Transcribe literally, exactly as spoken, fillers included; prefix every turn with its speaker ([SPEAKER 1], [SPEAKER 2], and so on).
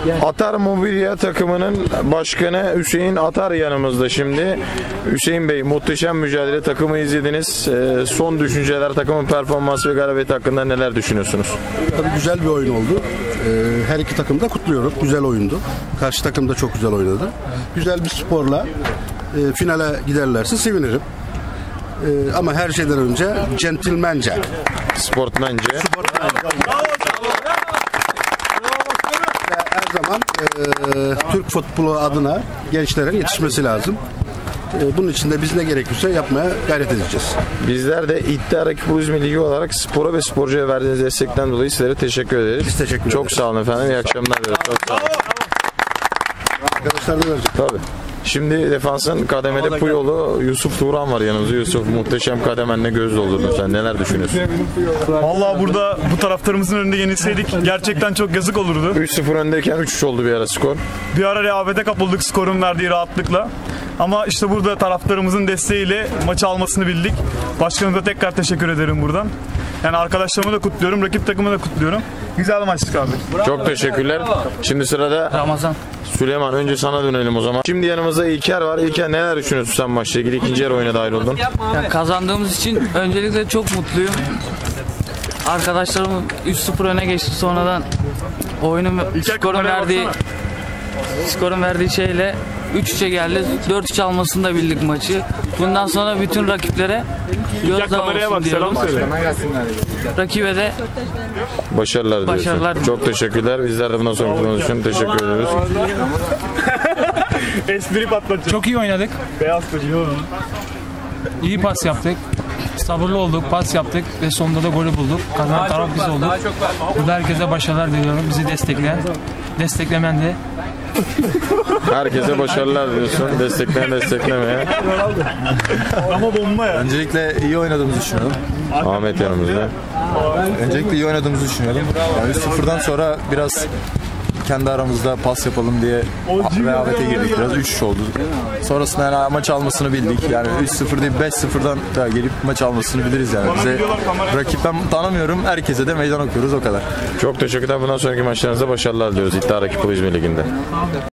[SPEAKER 1] Atar Mobilya takımının başkanı Hüseyin Atar yanımızda şimdi. Hüseyin Bey, muhteşem mücadele, takımı izlediniz. Ee, son düşünceler, takımın performansı ve galibiyeti hakkında neler düşünüyorsunuz?
[SPEAKER 2] Tabii güzel bir oyun oldu. Ee, her iki takım da kutluyorum. Güzel oyundu. Karşı takım da çok güzel oynadı. Güzel bir sporla e, finale giderlerse sevinirim. E, ama her şeyden önce centilmence.
[SPEAKER 1] Sportmence.
[SPEAKER 2] Her zaman e, Türk futbolu adına gençlerin yetişmesi lazım. E, bunun için de biz ne gerekirse yapmaya gayret edeceğiz.
[SPEAKER 1] Bizler de İddia Rakip İzmir Ligi olarak spora ve sporcuya verdiğiniz destekten dolayı sizlere teşekkür ederiz.
[SPEAKER 2] Biz teşekkür ederiz.
[SPEAKER 1] Çok sağ olun efendim. İyi akşamlar diliyoruz. Çok sağ olun.
[SPEAKER 2] Arkadaşlar da verecek.
[SPEAKER 1] Tabii. Şimdi defansın kademede Puyol'u, Yusuf Turan var yanımızda. Yusuf, muhteşem kademenle göz doldurdun sen. Neler düşünüyorsun?
[SPEAKER 3] Vallahi burada bu taraftarımızın önünde yenilseydik gerçekten çok yazık olurdu.
[SPEAKER 1] üç sıfır öndeyken üç üç oldu bir ara skor.
[SPEAKER 3] Bir ara rehavete kapıldık skorun verdiği rahatlıkla. Ama işte burada taraftarımızın desteğiyle maçı almasını bildik. Başkanımıza tekrar teşekkür ederim buradan. Yani arkadaşlarımı da kutluyorum, rakip takımı da kutluyorum. Güzel maçtık abi.
[SPEAKER 1] Çok teşekkürler. Şimdi sırada
[SPEAKER 4] Ramazan.
[SPEAKER 1] Süleyman, önce sana dönelim o zaman. Şimdi yanımızda İlker var. İlker, neler düşünüyorsun sen maçla ilgili? İkinci yarı oyuna dahil oldun.
[SPEAKER 4] Yani kazandığımız için öncelikle çok mutluyum. Arkadaşlarım üç sıfır öne geçti, sonradan oyunun skorun verdiği skorun verdiği şeyle üç üçe geldi. dört üç almasını da bildik maçı. Bundan sonra bütün rakiplere gözdağı olsun diyorum. Rakibe de
[SPEAKER 1] Başarılar diliyorsun.
[SPEAKER 4] Başarılar.
[SPEAKER 1] Çok teşekkürler. Bizler de bundan sonraki konumuz için teşekkür ediyoruz.
[SPEAKER 3] Espri patlatacağım.
[SPEAKER 5] Çok iyi oynadık.
[SPEAKER 3] Beyaz kocuğu.
[SPEAKER 5] İyi pas yaptık. Sabırlı olduk, pas yaptık ve sonunda da golü bulduk. Kazanan taraf biz olduk. Burada herkese başarılar diliyorum. Bizi destekleyen, desteklemen de.
[SPEAKER 1] Herkese başarılar diliyorsun. Destekleyen desteklemeye.
[SPEAKER 3] Ama bomba ya.
[SPEAKER 6] Öncelikle iyi oynadığımızı düşünüyorum.
[SPEAKER 1] Ahmet yanımızda.
[SPEAKER 6] Öncelikle iyi oynadığımızı düşünüyorum. Yani üç sıfırdan sonra biraz kendi aramızda pas yapalım diye rehavete girdik biraz. üç üç oldu. Sonrasında yani maç almasını bildik. Yani üç sıfır değil beş sıfırdan da gelip maç almasını biliriz yani. Bize rakipten tanımıyorum. Herkese de meydan okuyoruz, o kadar.
[SPEAKER 1] Çok teşekkürler. Bundan sonraki maçlarınızda başarılar diliyoruz İddia Rakip İzmir Ligi'nde.